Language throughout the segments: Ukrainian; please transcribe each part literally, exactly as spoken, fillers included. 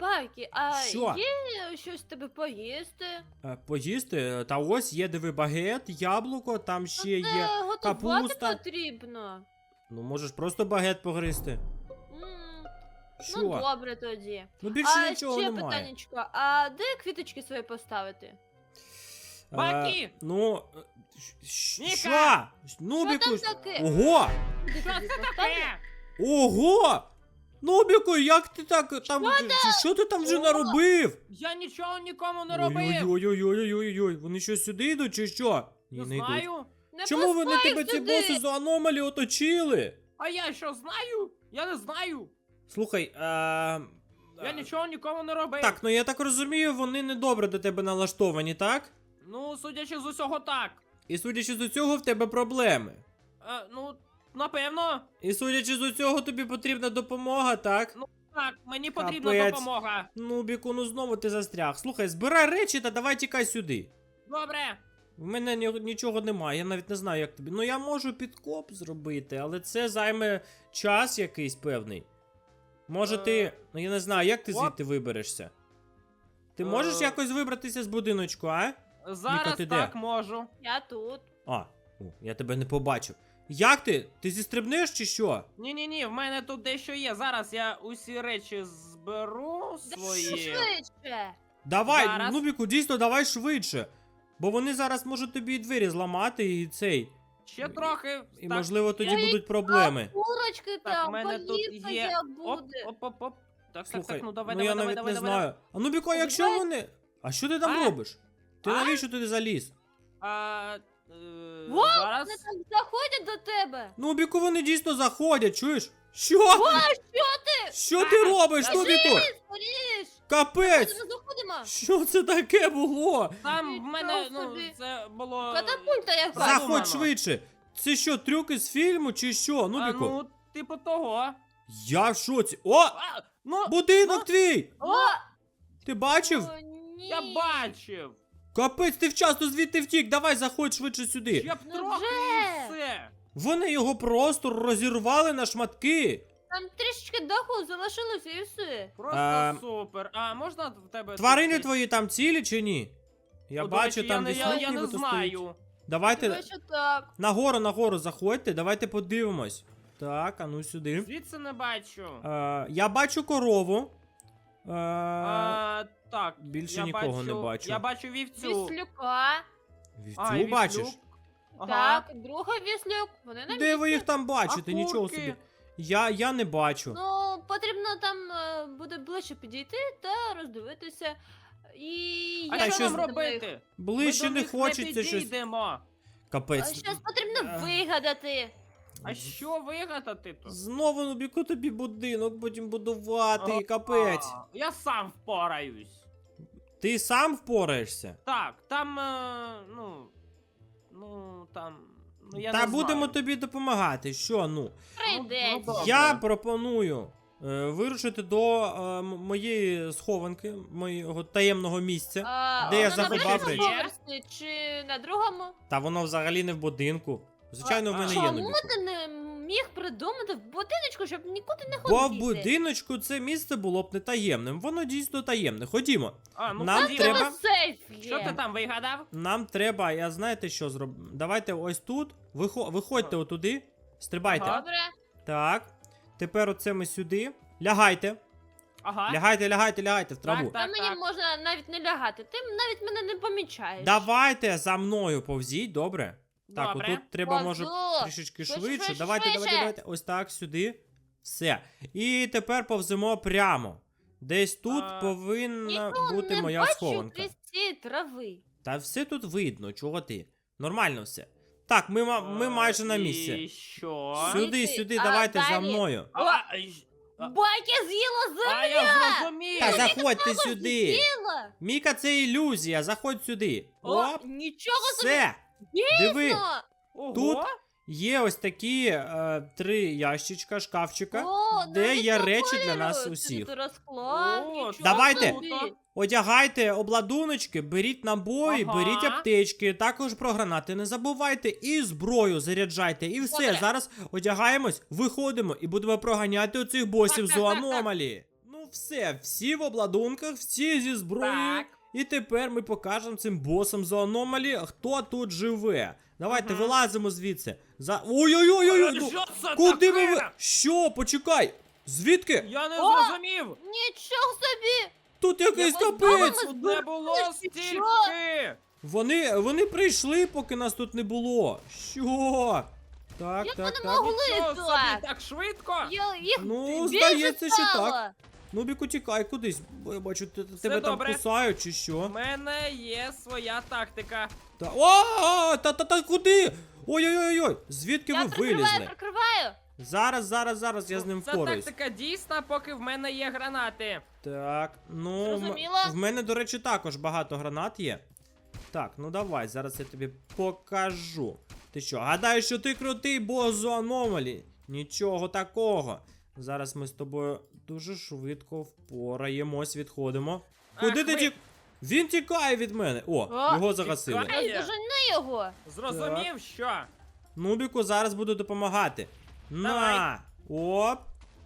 Байки, а Що? є щось тебе поїсти? Е, Поїсти? Та ось є, диви, багет, яблуко, там ще є. Це готувати капуста. потрібно. Ну, можеш просто багет погризти. М, Що? Ну добре тоді. Ну більше А нічого ще немає. питаннячко, а де квіточки свої поставити? Е, Баки! Ну. е, щ- Ніка! Що? Що Нубіку. там таке? Ого! Куди Що тобі це поставлю? таке? Ого! Нубіку, як ти так там. Що, що ти там вже О! наробив? Я нічого нікому не робив. Ой-ой-ой-ой-ой-ой. Вони що сюди йдуть чи що? Ні, Не не йдуть. знаю. Не Чому вони пускай тебе ці сюди. боси за аномалі оточили? А я що знаю? Я не знаю. Слухай, а... Я нічого нікому не робив. Так, ну я так розумію, вони недобре до тебе налаштовані, так? Ну, судячи з усього, так. І судячи з усього, в тебе проблеми. Е, ну, напевно. І судячи з усього, тобі потрібна допомога, так? Так, мені потрібна Капець. допомога. Ну, Біку, ну знову ти застряг. Слухай, збирай речі та давай тікай сюди. Добре. В мене ні- нічого немає, я навіть не знаю, як тобі. Ну я можу підкоп зробити, але це займе час якийсь певний. Може ти. Е, Ну я не знаю, як ти оп. звідти виберешся? Ти можеш Е. якось вибратися з будиночку, а? Зараз ти де? так можу. Я тут. А, о, я тебе не побачив. Як ти? Ти зістрибнеш чи що? Ні-ні-ні, в мене тут дещо є. Зараз я усі речі зберу свої. Швидше. Давай, Зараз. Нубіку, дійсно, давай швидше. Бо вони зараз можуть тобі і двері зламати і цей. Ще трохи. І Так, можливо тоді Ой, будуть проблеми. Курочки Так, там, в мене тут полівка є. як Оп, буде. оп, оп, оп. Так, Слухай, так, так, ну давай, ну давай, я давай, навіть давай, не давай. знаю. А Нубіку, а якщо Давай. вони. А що ти там А? робиш? Ти А? навіщо туди заліз? А, е, Во, зараз. Вони так заходять до тебе. Нубіку, вони дійсно заходять, чуєш? Що? О, що ти? Що ти А, робиш, та Нубіку? Скоріш. Капець! Ми заходимо. Що це таке було? Там в Нічого мене, ну, собі. це було. Катапульта як Продумано. бачу. Заходь швидше! Це що, трюки з фільму чи що, А, Нубіку? ну, типу того. Я в шоці. О! А, ну, Будинок твій! О, Ти бачив? о, ні. я бачив. Капець, ти вчасно звідти втік, давай заходь швидше сюди. Ще б Ну трохи вже. і все. Вони його просто розірвали на шматки. Там трішечки даху залишилося і все. Просто А, супер. А можна в тебе. Тварини тут твої там цілі чи ні? Я Ну, до бачу, речі, там я, не- десь я, лук я не нібито стоїть. знаю. Давайте Думаю, що так. нагору, нагору заходьте, давайте подивимось. Так, а ну сюди. Звідси не бачу. Е, я бачу корову. Е, А, так. більше я нікого бачу, не бачу. Я бачу вівцю. Віслюка. вівцю А, і бачиш? віслюк. Ага. Так, друга віслюк. Вони на Де місці. ви їх там бачите? А Нічого курки? собі. Я, я не бачу. Ну, потрібно там е, буде ближче підійти та роздивитися. І А я що що щось- нам робити? Ближче Ми до не них хочеться не щось. підійдемо. Капець. Щось потрібно Е. вигадати. А що вигадати тут? Знову Нубіку тобі будинок потім будувати, А, капець. а, Я сам впораюсь. Ти сам впораєшся? Так, там, е, ну. Ну, там. Ну, я Та не будемо знаю. тобі допомагати. Що, ну? Прийдеться. добре. Я пропоную е, вирушити до е, м- моєї схованки, моєго таємного місця. А, Де я воно на заховав першому речі? поверсі чи на другому? Та воно взагалі не в будинку. Звичайно, в А, мене а є Чому Нубіку. ти не міг придумати в будиночку, щоб нікуди не Бо в ходити? будиночку це місце було б не таємним. Воно дійсно таємне. Ходімо. А, ну, Нам ходімо. треба- Тебе сейф є. Що ти там вигадав? Нам треба, я знаєте, що зробимо? Давайте ось тут. Вихо... Виходьте отуди. Стрибайте. Ага. Добре. Так. Тепер оце ми сюди. Лягайте. Ага. Лягайте, лягайте, лягайте в траву. Так, Та мені так. можна навіть не лягати. Ти навіть мене не помічаєш. Давайте за мною повзіть, добре? Так, Добре. отут треба, може, Повзу. трішечки Швидше, швидше. швидше, Давайте, давайте, швидше. давайте. Ось так, сюди. Все. І тепер повземо прямо. Десь тут А, повинна Нікого бути не моя бачу схованка. крізь ці трави. Та все тут видно, чого ти. Нормально все. Так, ми, ма- ми майже на І місці. що? Сюди. Сюди, сюди, А, давайте за далі. мною. А, а, й- А- Байки з'їла а я земля! зрозумів. Та заходьте сюди. З'їла! Міка, це ілюзія, заходь сюди. О, Оп, нічого собі! все. Диви, Дійсно! Ого. тут є ось такі е, три ящичка, шкафчика, О, де навіть є по речі для кольору. нас Сюди усіх. тут розклад, О, нічого Давайте. собі. Одягайте обладуночки, беріть набої, Ага. беріть аптечки, також про гранати не забувайте, і зброю заряджайте, і все. Добре. Зараз одягаємось, виходимо і будемо проганяти оцих босів Так, з так, так, так. аномалі. Ну Ну все, всі в обладунках, всі зі зброєю. Так. І тепер ми покажемо цим босам за аномалі, хто тут живе. Давайте Мгм. вилазимо звідси. За. Ой-ой-ой! Ну, Що це куди ви таке? ви? Що? Почекай! Звідки? Я не О! зрозумів. Нічого собі! Тут якийсь Я подумала, капець! ми Тут не було Що? стільки. Вони, вони прийшли, поки нас тут не було. Що? Так, Як так, вони так. могли? Нічого собі, так. так швидко. Я їх Ну, більше здається, що стало. так. Нубіку, тікай кудись. Бо я бачу, те- тебе там добре. кусають чи У що. мене є своя тактика. Та. О, та та та куди? Ой-ой-ой-ой! Звідки Я ви прикриваю, вилізли? прикриваю. Зараз, зараз, зараз я з ним Це впораюсь. тактика дійсна, поки в мене є гранати. Так, ну м- Зрозуміло. в мене, до речі, також багато гранат є. Так, ну давай, зараз я тобі покажу. Ти що, гадаєш, що ти крутий бос з аномалі? Нічого такого. Зараз ми з тобою дуже швидко впораємось, відходимо. Куди Ах, ти ви- тік? Він тікає від мене. О, О, його загасили. тікає. Ай, дожени його. Зрозумів, що? Нубіку зараз буду допомагати. На! Оп!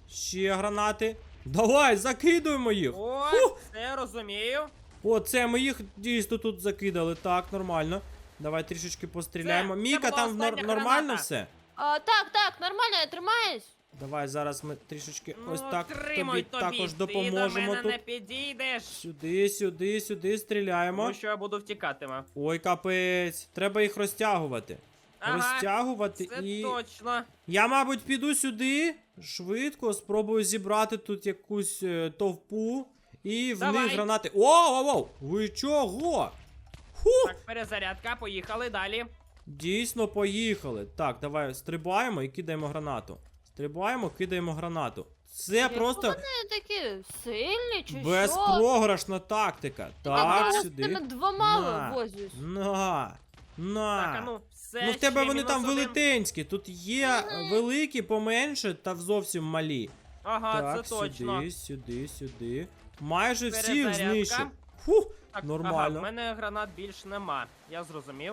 Ще гранати. Давай, закидуємо їх. О, Фух. все розумію. О, це ми їх дійсно тут закидали. Так, нормально. Давай трішечки постріляємо. Це- це Міка, була там нор- остання нормально граната. все? А, так, так, нормально, я тримаюсь. Давай зараз ми трішечки Ну, ось так тримай тобі тобі, також ти до допоможемо мене тут. не підійдеш. Сюди, сюди, сюди стріляємо. Тому що я буду втікатиме. Ой, капець. Треба їх розтягувати. Ага, Розтягувати Це і. точно. Я, мабуть, піду сюди швидко, спробую зібрати тут якусь е, товпу. І в Давай. них гранати. О-о-о! Ви чого? Фух! Так, перезарядка, поїхали далі. Дійсно, поїхали. Так, давай стрибаємо і кидаємо гранату. Стрибаємо, кидаємо гранату. Це Як просто Вони такі сильні чи що? безпрограшна тактика. Так, я з сюди. тими двома На. возюсь. На. На. Так, а ну, все. Ну в тебе ще вони там мінус один. велетенські. Тут є Мгм. великі, поменше та зовсім малі. Ага, Так, це точно. сюди, сюди, сюди. Майже всіх Перезарядка. знищив. Фух, Так, нормально. Ага, в мене гранат більш нема. Я зрозумів.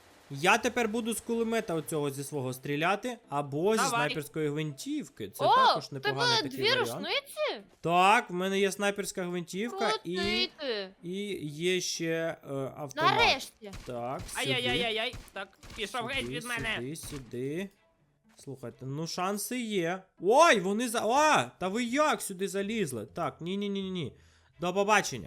Я тепер буду з кулемета оцього зі свого стріляти, або зі Давай. снайперської гвинтівки. Це О, також в тебе непоганий такий дві варіант. рушниці? Так, в мене є снайперська гвинтівка і, Крутий ти. і є ще е, автомат. Нарешті. Так, сюди. Ай-яй-яй-яй. Так, пішов геть Сюди, від мене. Сюди, сюди. Слухайте, ну шанси є. Ой, вони за. А! Та ви як сюди залізли? Так, ні-ні-ні-ні. До побачення.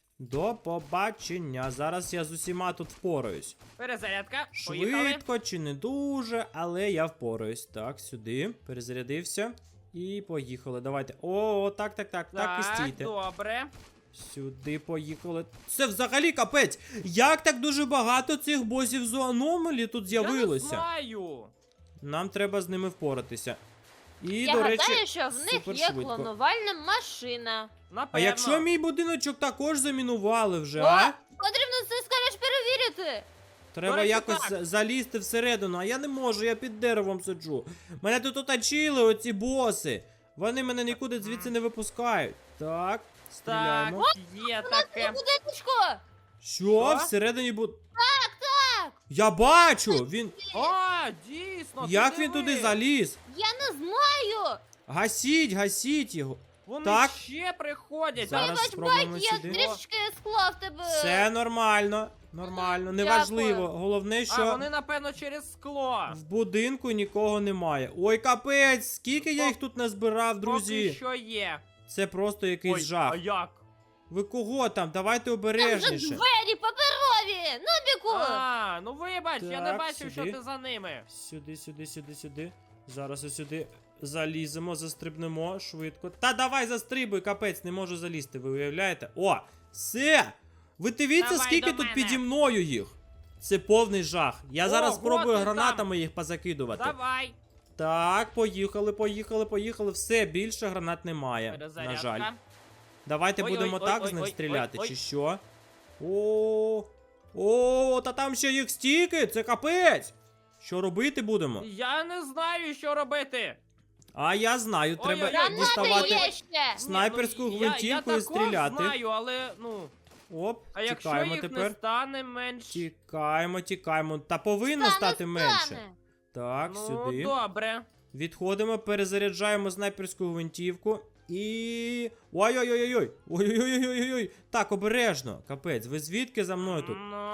До побачення. Зараз я з усіма тут впораюсь. Перезарядка. Поїхали. Швидко чи не дуже, але я впораюсь. Так, сюди. Перезарядився. І поїхали. Давайте. О, так, так, так, так, і стійте. добре. Сюди поїхали. Це взагалі капець. Як так дуже багато цих босів з аномалі тут Я не з'явилося? знаю. Нам треба з ними впоратися. І, Я до гадаю, речі, що в них супер є швидко. клонувальна машина. Напевно. А якщо мій будиночок також замінували вже, О, а? потрібно це скоріш перевірити. Треба до речі, якось так. за- залізти всередину, а я не можу, я під деревом сиджу. Мене тут оточили оці боси. Вони мене нікуди звідси не випускають. Так, Так, стріляємо. є На таке. будиночку. Що? Що? Всередині бу... Так, так. Я бачу! Він. О, дійсно. Як ти він диви. туди заліз? Я не знаю. Гасіть, гасіть його. Вони Так. ще приходять. Зараз Вибач, спробуємо Байк, я сюди. трішки скла в тебе. Все нормально. Нормально, Мгм, неважливо. дякую. Головне, А що вони, напевно, через скло. в будинку нікого немає. Ой, капець, скільки я їх тут назбирав, Поки друзі. що є. Це просто якийсь Ой, жах. а як? Ви кого там? Давайте Там же обережніше. двері паперові. Нубіку. А, ну вибач, я не Так, бачив, сюди. що ти за ними. Сюди, сюди, сюди, сюди. Зараз ось сюди заліземо, застрибнемо швидко. Та давай застрибуй, капець, не можу залізти, ви уявляєте? О, все! Ви дивіться, Давай скільки до тут мене. піді мною їх. Це повний жах. Я зараз Ого, спробую ти гранатами їх позакидувати. Давай. Так, поїхали, поїхали, поїхали. Все, більше гранат немає. На Перезарядка. жаль. Давайте Ой, будемо ой, так ой, з них ой, стріляти, ой, чи ой. що? О, о, та там ще їх стільки, це капець. Що робити будемо? Я не знаю, що робити. А я знаю, Ой, треба ой, ой, Гранати діставати. є ще. Снайперську Ні, ну, гвинтівку я, і я також стріляти. знаю, але, ну, Оп, а якщо тікаємо їх тепер. не стане менш... Тікаємо, тікаємо. Та повинно Стане, стати менше. стане. Так, Ну, сюди. добре. Відходимо, перезаряджаємо снайперську гвинтівку. І. Ой-ой-ой-ой! Ой-ой-ой-ой-ой! Так, обережно. Капець, ви звідки за мною тут? Ну,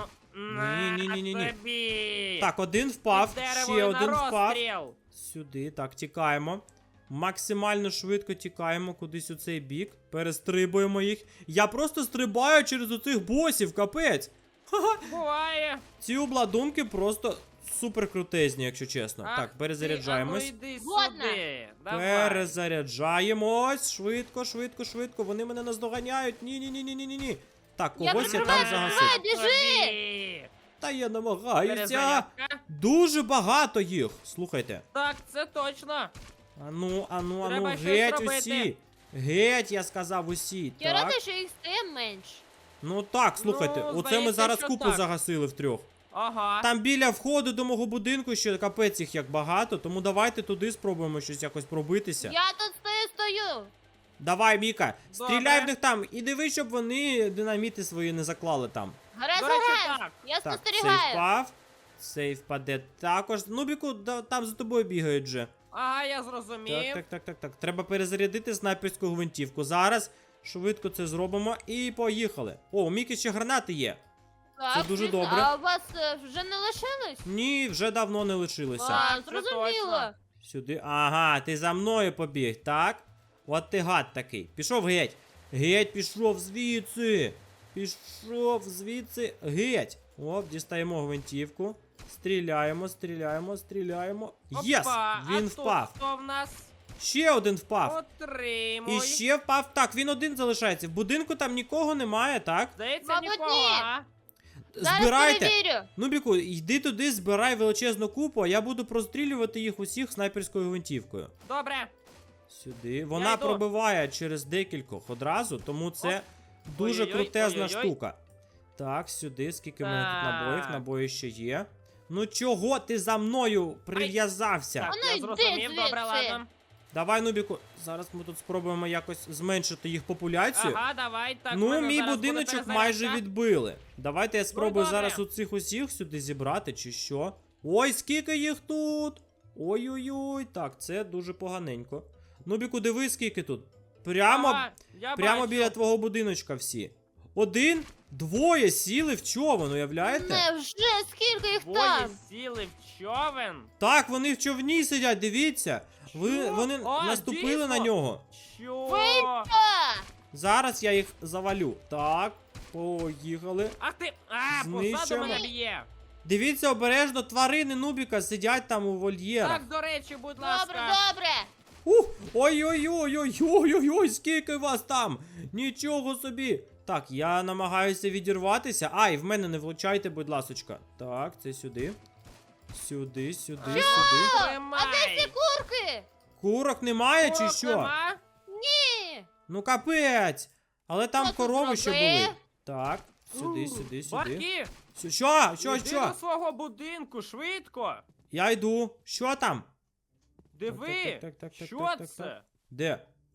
на Ні-ні-ні-ні-ні. тобі. Так, один впав, Під ще деревою один на впав. розстріл. Сюди, так, тікаємо. Максимально швидко тікаємо кудись у цей бік. Перестрибуємо їх. Я просто стрибаю через оцих босів, капець. Ха-ха. Буває. Ці обладунки просто супер крутезні, якщо чесно. Ах так, ти, перезаряджаємось. а ну йди Згодна. сюди. Давай. Перезаряджаємось. Швидко, швидко, швидко. Вони мене наздоганяють. Ні-ні-ні-ні-ні-ні. Так, Я когось я, прикриваю, там прикриваю. загасив. біжи! Тобі. Та я намагаюся. Перезарядка. Дуже багато їх. Слухайте. Так, це точно. Ану, ану, ану, Треба щось геть робити. усі. Геть, я сказав усі. Я так. рада, що їх стає менше. Ну так, слухайте, Ну, оце ми здається, зараз що купу так. загасили втрьох. Ага. Там біля входу до мого будинку ще капець їх як багато, тому давайте туди спробуємо щось якось пробитися. Я тут стою, стою. Давай, Міка, стріляй Добре. в них там і диви, щоб вони динаміти свої не заклали там. Гаразд, До речі, гаразд. так. Я Так, цей спостерігаю. впав. Цей впаде також. Нубіку, да- там за тобою бігають вже. Ага, я зрозумів. Так, так, так, так, так. Треба перезарядити снайперську гвинтівку. Зараз швидко це зробимо і поїхали. О, у Міки ще гранати є. Так, Це дуже звісно. добре. А у вас е, вже не лишилось? Ні, вже давно не лишилося. А, це зрозуміло. точно. Сюди. Ага, ти за мною побіг, так? От ти гад такий. Пішов геть. Геть, пішов звідси. Пішов звідси. Геть. Оп, дістаємо гвинтівку. Стріляємо, стріляємо, стріляємо. Єс! Опа, Він а впав. Тут хто в нас? Ще один впав. Отримуй. І ще впав. Так, він один залишається. В будинку там нікого немає, так? Здається, Мабуть, нікого. ні. а? Зараз Збирайте. перевірю. Нубіку, йди туди, збирай величезну купу, а я буду прострілювати їх усіх снайперською гвинтівкою. Добре. Сюди. Вона йду. пробиває через декількох одразу, тому це Оп. дуже Ой-ой-ой, крутезна ой-ой-ой. штука. Так, сюди, скільки в мене тут Так. набоїв, набої ще є. Ну чого ти за мною прив'язався? Так, А ну я йди зрозумів, звідси. добре, ладно. Давай, Нубіку, зараз ми тут спробуємо якось зменшити їх популяцію. Ага, давай, так. в ну, мене мій зараз будиночок буде майже перезарядка. відбили. Давайте я спробую добре. зараз у цих усіх сюди зібрати, чи що. Ой, скільки їх тут! Ой-ой-ой, так, це дуже поганенько. Нубіку, диви, скільки тут. Прямо, Ага, я прямо бачу. біля твого будиночка всі. Один, двоє сіли в човен, уявляєте? Невже скільки їх Двоє там? сіли в човен. Так, вони в човні сидять, дивіться. Ви, Що? вони А, наступили дійсно? на нього. Що? А, Зараз я їх завалю. Так, поїхали. Ах ти, а, позаду Знищуємо. мене б'є. Дивіться обережно, тварини Нубіка сидять там у вольєрах. Так, до речі, будь ласка. добре, добре. Ух, ой-ой-ой-ой-ой-ой-ой, скільки вас там! Нічого собі! Так, я намагаюся відірватися. Ай, в мене не влучайте, будь ласочка. Так, це сюди. Сюди, сюди, сюди. А Тримай. де ці курки? Курок немає чи Курок що? нема? Ні. Ну капець! Але там Хто тут корови ще зробив? були. Так, сюди, У, сюди, сюди. Барки, Сю- Що? Що, іди що? до свого будинку, швидко. Я йду. Що там? Диви, Так, так, так, так, що так, так, це? так. Де?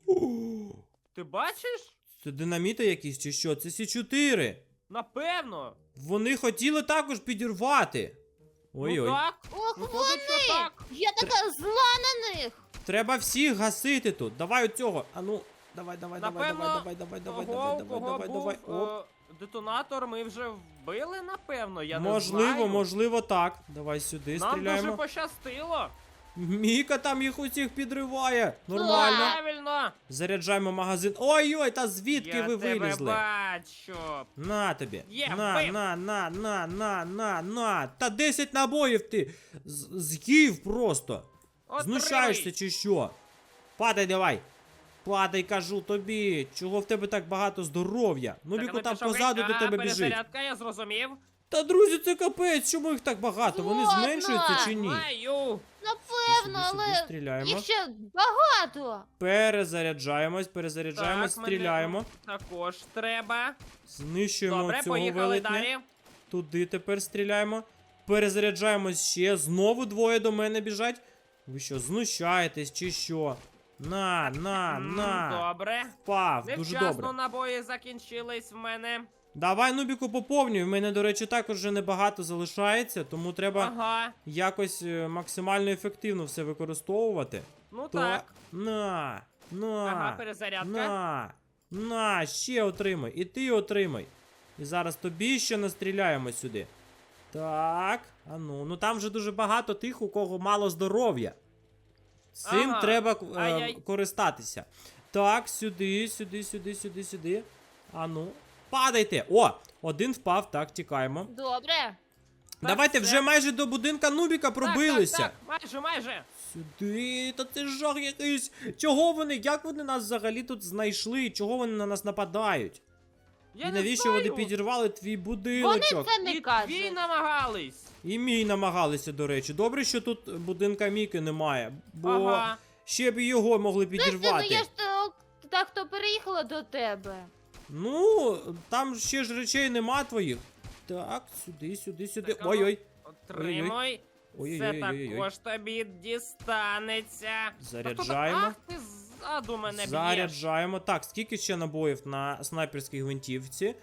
Ти бачиш? Це динаміти якісь чи що? Це Сі чотири. Напевно. Вони хотіли також підірвати. Ой-ой. Ну так, Ох, виходить, що вони! так. Я така зла на них. Треба всіх гасити тут. Давай оцього. А ну, давай, давай, давай, Напевно, давай, давай, давай, давай, Кого, давай, кого давай, давай, був давай. Оп. е, детонатор, ми вже вбили, напевно, я не Можливо, знаю. можливо, так. Давай сюди Нам стріляємо. дуже пощастило. Міка там їх усіх підриває. Нормально. Правильно. Заряджаємо магазин. Ой-ой, та звідки я ви тебе вилізли? бачу. На тобі. Є, на, вбив. на, на, на, на, на, на. Та десять набоїв ти з- з'їв просто. Отримуй. Знущаєшся чи що? Падай давай. Падай, кажу тобі. Чого в тебе так багато здоров'я? Ну, Так, Біку а там пішов позаду геть. до А, тебе біжить. перезарядка, я зрозумів. Та друзі, це капець, чому їх так багато? Вони Згодна. зменшуються чи ні? Знаю. Напевно, Сюди, сюди, але стріляємо. їх ще багато. Перезаряджаємось, перезаряджаємось, Так, стріляємо. Мене також треба. Знищуємо Добре, цього поїхали велетня. далі. Туди тепер стріляємо. Перезаряджаємось ще. Знову двоє до мене біжать. Ви що, знущаєтесь чи що? На, на, М, на. Добре. Впав, дуже Невчасно добре. набої закінчились в мене. Давай, Нубіку, поповнюй. В мене, до речі, також вже небагато залишається, тому треба Ага. якось е, максимально ефективно все використовувати. Ну То- так. На. На, Ага, перезарядка. на, на, ще отримай. І ти отримай. І зараз тобі ще настріляємо сюди. Так, а ну, ну там вже дуже багато тих, у кого мало здоров'я. Цим Ага, треба е, ай-яй. користатися. Так, сюди, сюди, сюди, сюди, сюди. А ну, падайте. О, один впав, так, тікаємо. Добре. Давайте все. вже майже до будинка Нубіка пробилися. Так, так, так, майже, майже. Сюди, та це жах якийсь. Чого вони, як вони нас взагалі тут знайшли? Чого вони на нас нападають? Я І не навіщо знаю. вони підірвали твій Вони будиночок? це не І твій кажуть. намагались. І мій намагалися, до речі. Добре, що тут будинка Міки немає, бо Ага. ще б і його могли Слухай, ну підірвати. я ж то, так то переїхала до тебе. Ну, там ще ж речей нема твоїх. Так, сюди, сюди, сюди. Так, а ну, Ой-ой. Отримуй. Це Ой-ой-ой-ой-ой. також тобі дістанеться. Заряджаємо. Ах, ти ззаду мене б'єш. Заряджаємо. Так, скільки ще набоїв на снайперській гвинтівці?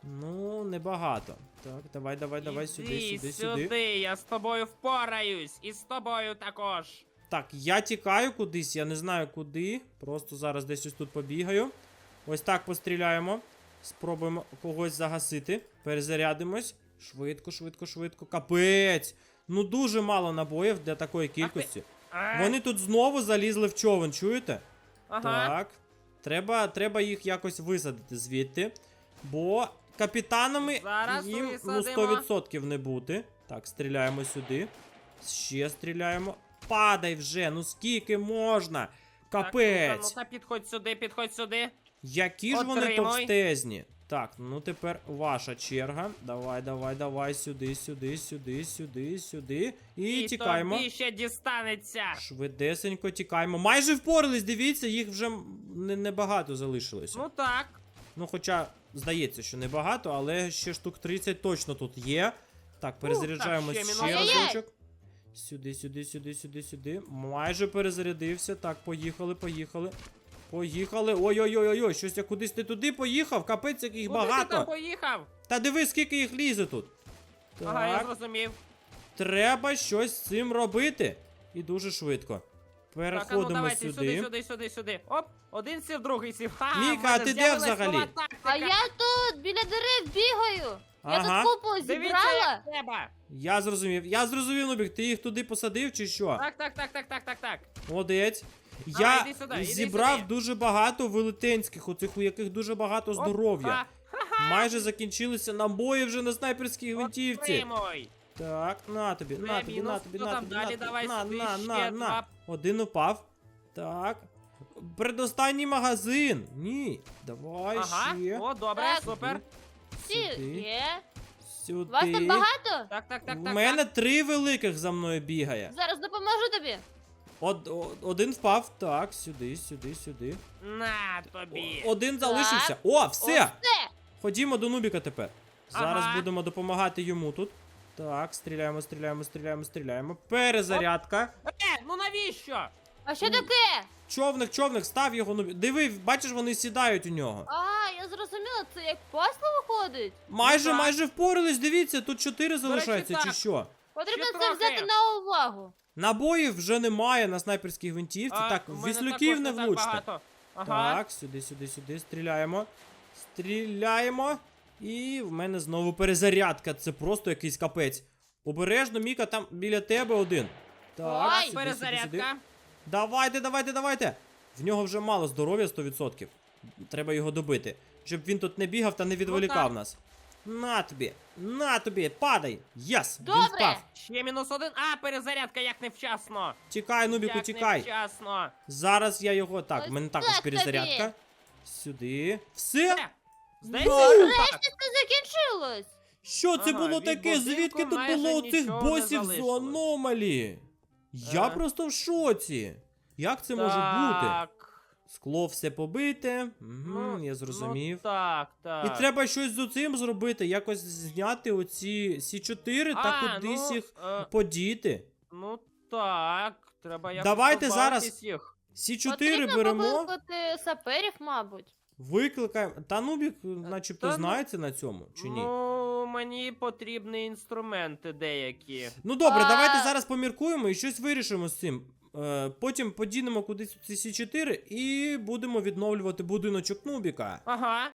Ну, небагато. Так, давай, давай, давай, сюди, Іди сюди, сюди. сюди, я з тобою впораюсь. І з тобою також. Так, я тікаю кудись, я не знаю куди. Просто зараз десь ось тут побігаю. Ось так постріляємо. Спробуємо когось загасити. Перезарядимось. Швидко, швидко, швидко. Капець! Ну дуже мало набоїв для такої кількості. А, Вони тут знову залізли в човен, чуєте? Ага. Так. Треба, треба їх якось висадити звідти. Бо капітанами Зараз їм ну, висадимо. сто відсотків не бути. Так, стріляємо сюди. Ще стріляємо. Падай вже, ну скільки можна? Так, Капець. ну-ка, ну-ка, підходь сюди, підходь сюди. Які ж вони Отримуй. товстезні. Так, ну тепер ваша черга. Давай, давай, давай, сюди, сюди, сюди, сюди, сюди. І, І тікаємо. тобі ще дістанеться. Швидесенько тікаємо. Майже впорались, дивіться, їх вже не- небагато залишилося. Ну так. Ну, хоча, здається, що небагато, але ще штук тридцять точно тут є. Так, перезаряджаємо так, ще ще мінус один. разочок. Сюди, сюди, сюди, сюди, сюди. Майже перезарядився. Так, поїхали, поїхали. Поїхали. Ой-ой-ой-ой, щось я кудись не туди поїхав. Капець, як їх Куди ти багато. там поїхав? Та диви, скільки їх лізе тут. Так, Ага, я зрозумів. треба щось з цим робити. І дуже швидко. Так, а ну Переходимо давайте сюди. сюди, сюди, сюди, сюди. Оп, один сів, другий сів. Ха, Міка, в мене а ти де з'явилась взагалі? нова тактика. А я тут біля дерев бігаю. Ага. Я тут купу Дивіться, зібрала. як треба. Я зрозумів. Я зрозумів, Нубік, ти їх туди посадив чи що? Так, так, так, так, так, так, так. Молодець. Давай, Я іди сюди, іди зібрав сюди. дуже багато велетенських, оцих, у яких дуже багато Оп, здоров'я. ха, Майже закінчилися набої вже на снайперській гвинтівці. Отримуй. Так, на тобі, Вже на тобі, мінус. на тобі, Хто на там тобі, далі? на тобі, Давай на, сюди на, ще на, на. два. Один упав. Так. Предостанній магазин. Ні. Давай Ага, ще. о, добре, Так. супер. Всі Сюди. є. Сюди. Вас там багато? Так, так, так, У так. мене так. три великих за мною бігає. Зараз допоможу тобі. Од, о- один впав. Так, сюди, сюди, сюди. На тобі. О- Один залишився. О, все! Ось це. Ходімо до Нубіка тепер. Зараз Ага. будемо допомагати йому тут. Так, стріляємо, стріляємо, стріляємо, стріляємо. Перезарядка. Е, ну навіщо? А що таке? Човник, човник, став його Нубік. Диви, бачиш, вони сідають у нього. А, я зрозуміла, це як пасло виходить. Майже, так. майже впорались, дивіться, тут чотири залишається, чи так. що? Потрібно Ще це трохи. взяти на увагу. Набоїв вже немає на снайперській гвинтівці. А, Так, в мене віслюків також не так влучте. багато. Ага. Так, сюди, сюди, сюди. Стріляємо. Стріляємо. І в мене знову перезарядка. Це просто якийсь капець. Обережно, Міка, там біля тебе один. Так, Ой, сюди, сюди, сюди. Перезарядка. Давайте, давайте, давайте. В нього вже мало здоров'я сто відсотків. Треба його добити. Щоб він тут не бігав та не відволікав так. нас. На тобі, на тобі, падай. Єс, він Добре. впав. Ще мінус один. А, перезарядка, як невчасно. Тікай, Нубіку, Як тікай. невчасно. Зараз я його. Так, Ось в мене також так перезарядка. тобі. Сюди. Все? Е, Здається, Ну, що Нарешті так. це закінчилось. Що це Ага, було від таке? будинку Звідки тут майже було цих нічого не босів з залишилось. аномалі? Я Ага. просто в шоці. Як це може бути? Так. Скло все побите. Угу, Ну, я зрозумів. Ну, так, так. І треба щось з цим зробити, якось зняти оці сі чотири та А, кудись ну, їх е, подіти. Ну так, треба якось Давайте позбавитись зараз їх. сі чотири Потрібно беремо, покликати саперів, мабуть. викликаємо. Та Нубік, начебто, Та ну- знається на цьому, чи ні? Ну, мені потрібні інструменти деякі. Ну добре, А- давайте зараз поміркуємо і щось вирішимо з цим. Е, потім подінемо кудись у ці Сі чотири і будемо відновлювати будиночок Нубіка. Ага.